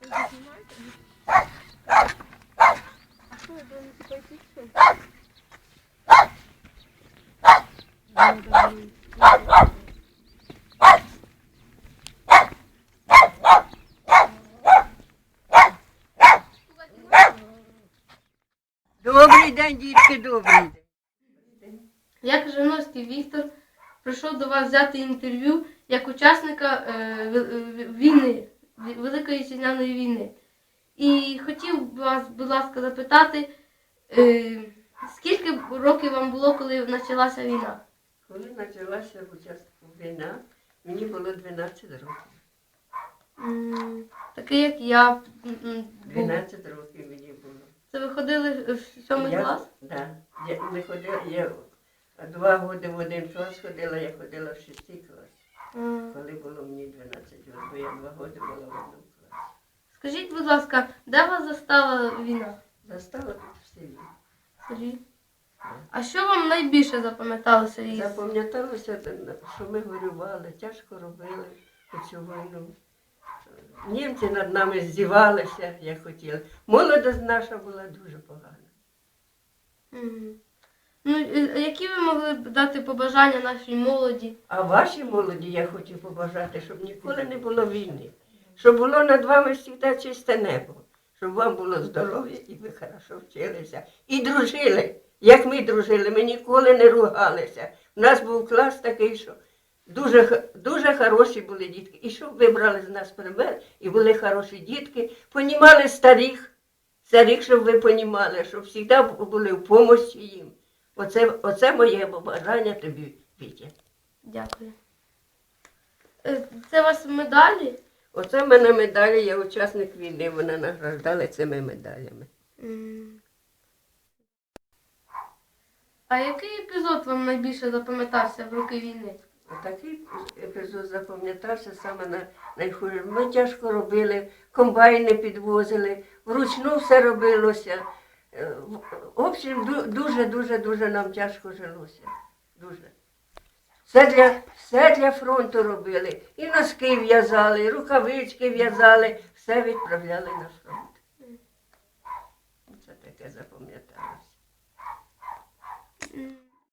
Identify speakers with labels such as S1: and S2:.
S1: Добрий день, дітки, добрий день.
S2: Я, Крижановський Віктор, прийшов до вас взяти інтерв'ю як учасника війни, Великої Вітчизняної війни. І хотів вас, будь ласка, запитати, скільки років вам було, коли почалася війна?
S1: Коли почалася війна, мені було 12 років.
S2: Такий, як я.
S1: 12 років мені було.
S2: Це ви ходили в 7 клас?
S1: Так. Я 2 роки в 1 клас ходила, я ходила в 6 клас. Коли було мені 12 років, бо я 2 роки була в 1 класі.
S2: Скажіть, будь ласка, де вас застала війна?
S1: Застала тут в селі.
S2: В селі? А що вам найбільше запам'яталося із?
S1: Запам'яталося, що ми горювали, тяжко робили цю війну. Німці над нами здівалися, як хотіли. Молодість наша була дуже погана.
S2: Ну, які ви могли б дати побажання нашій молоді?
S1: А вашій молоді я хочу побажати, щоб ніколи не було війни. Щоб було над вами завжди чисте небо. Щоб вам було здоров'я і ви хорошо вчилися. І дружили, як ми дружили. Ми ніколи не ругалися. У нас був клас такий, що дуже хороші були дітки. І щоб ви брали з нас пример, і були хороші дітки, понімали старих, щоб ви понімали, щоб завжди були в помощі їм. Оце моє побажання тобі, Вітя.
S2: Дякую. Це у вас медалі?
S1: Оце в мене медалі, я учасник війни, мене награждали цими медалями.
S2: А який епізод вам найбільше запам'ятався в роки війни?
S1: Такий епізод запам'ятався саме найхуже. Ми тяжко робили, комбайни підвозили, вручну все робилося. В общем, дуже нам тяжко жилося. Дуже. Все для фронту робили. І носки в'язали, і рукавички в'язали, все відправляли на фронт.